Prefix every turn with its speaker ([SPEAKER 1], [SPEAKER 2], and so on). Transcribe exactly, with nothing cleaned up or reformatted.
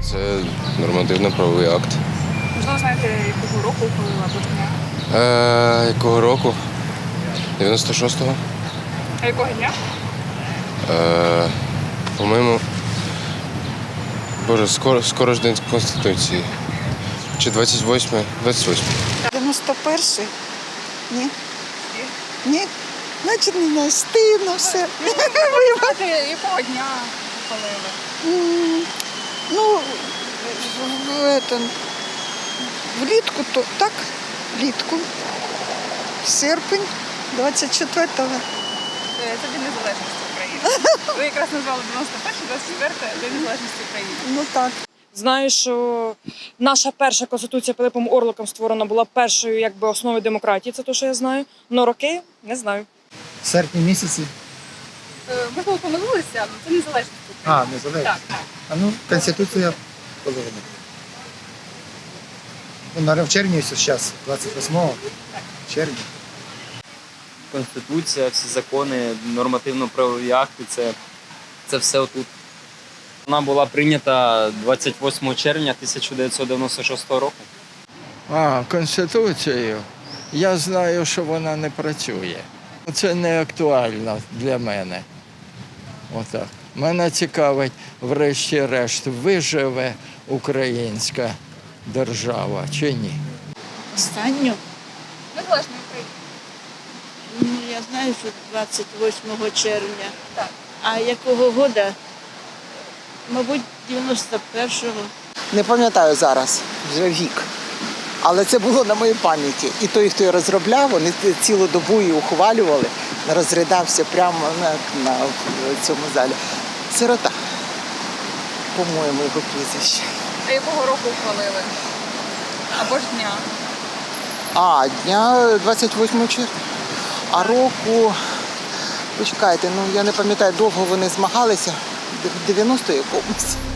[SPEAKER 1] Це нормативно-правовий акт.
[SPEAKER 2] Можливо, знаєте, якого року ухвалили або дня?
[SPEAKER 1] Е, якого року? дев'яносто шостого.
[SPEAKER 2] А якого дня?
[SPEAKER 1] Е, по-моєму, боже, скоро, скоро ж День Конституції. Чи двадцять восьме? двадцять восьме.
[SPEAKER 3] дев'яносто перший? Ні. Ні? Значить, не знаю, стидно все.
[SPEAKER 2] Знаєте, якого дня ухвалили?
[SPEAKER 3] М, Ну, в, в, этом, влітку, то так, влітку. Серпень двадцять четвертого.
[SPEAKER 2] Е, Це День Незалежності України. Ви якраз назвали дев'яносто перший, двадцять четвертий День Незалежності України.
[SPEAKER 3] Ну так.
[SPEAKER 4] Знаю, що наша перша конституція Пилипом Орликом створена була першою якби основою демократії, це те, що я знаю. Но роки не знаю.
[SPEAKER 5] В серпні місяці.
[SPEAKER 2] Е, Можливо, помилилися, але це Незалежність
[SPEAKER 5] А,
[SPEAKER 2] України.
[SPEAKER 5] незалежно.
[SPEAKER 2] Так, так.
[SPEAKER 5] А ну, Конституція коли вона? Ну, наверное, в червні зараз, двадцять восьмого червня.
[SPEAKER 6] Конституція, всі закони, нормативно-правові акти це, це все отут. Вона була прийнята двадцять восьмого червня тисяча дев'ятсот дев'яносто шостого року.
[SPEAKER 7] А, Конституцію. Я знаю, що вона не працює. Це не актуально для мене. Отак. Мене цікавить, врешті-решт, виживе українська держава чи ні.
[SPEAKER 8] Останню?
[SPEAKER 2] Незалежна Україна.
[SPEAKER 8] Ну, я знаю, що двадцять восьмого червня.
[SPEAKER 2] Так.
[SPEAKER 8] А якого года? Мабуть, дев'яносто першого.
[SPEAKER 9] Не пам'ятаю зараз, вже вік. Але це було на моїй пам'яті. І той, хто її розробляв, вони цілу добу її ухвалювали, розридався прямо на, на в цьому залі. Сирота, по-моєму, його прізвище.
[SPEAKER 2] А якого року ухвалили? Або ж дня?
[SPEAKER 9] А, дня двадцять восьмого червня. А року, почекайте, ну я не пам'ятаю, довго вони змагалися, в дев'яносто якомусь.